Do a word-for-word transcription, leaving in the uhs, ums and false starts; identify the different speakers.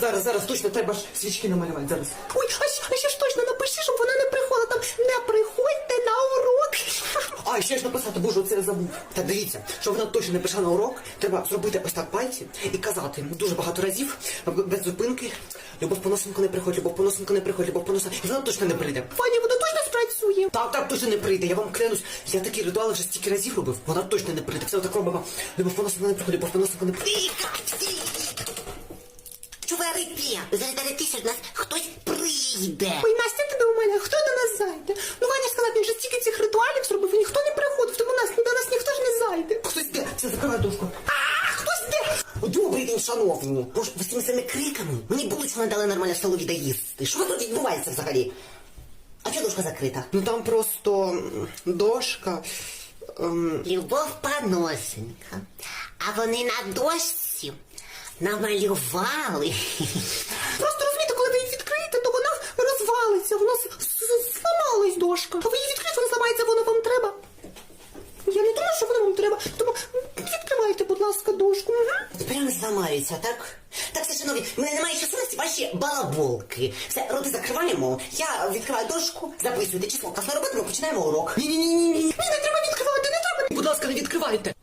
Speaker 1: зараз, зараз, точно, треба ж свічки намалювати, зараз.
Speaker 2: Ой, а ще, а ще ж точно напиши, щоб вона не приходила. Там не приходьте на урок.
Speaker 1: А, ще ж написати, боже, оце я забув. Так, дивіться, щоб вона точно не пішла на урок, треба зробити ось так пальці і казати дуже багато разів, без зупинки. Любов Поносенко не приходь, Любов Поносенко не приходь, Любов Поносенко. І вона точно не прийде.
Speaker 2: Ваня, вона точно спрацює.
Speaker 1: Так, так, точно не прийде, я вам клянусь. Я такі ритуали вже стільки разів робив, вона точно не прийде. Все отак робимо. Любов Поносенко не приходь, Любов Поносенко не приходь.
Speaker 3: Чуварики, зараз ти, що до нас хтось прийде.
Speaker 2: Ой, Настя, тебе у мене, хто до нас зайде? Ну, Ваня сказав, він же стільки цих ритуалів зробив, і ніхто не приходив, тому нас, до нас ніхто ж не зайде.
Speaker 1: Хтось де? Все, закривай дошку.
Speaker 3: А, хтось де? Добрий день, шановні. Боже, ви з цими самими криками? Мені булочку не дали нормально в столові доїсти. Що тут відбувається взагалі? А чого дошка закрита?
Speaker 1: Ну там просто м, дошка. Ем...
Speaker 3: Любов Поносенка. А вони на дошці намалювали.
Speaker 2: Просто розумієте, коли ви її відкриєте, то вона розвалиться, вона с- с- зламалась дошка. А ви її відкриєте, вона зламається, воно вам треба. Я не думаю, що воно вам треба, тому відкривайте, будь ласка, дошку. Угу.
Speaker 3: Прямо зламаються, так? Так, все, шановні, в мене немає часу на ці ваші балаболки. Все, роти закриваємо. Я відкриваю дошку, записуйте число. Класна робота, ми починаємо урок.
Speaker 1: Ні-ні-ні-ні.
Speaker 2: Ні, не треба відкривати, не треба.
Speaker 1: Будь ласка, не відкривайте.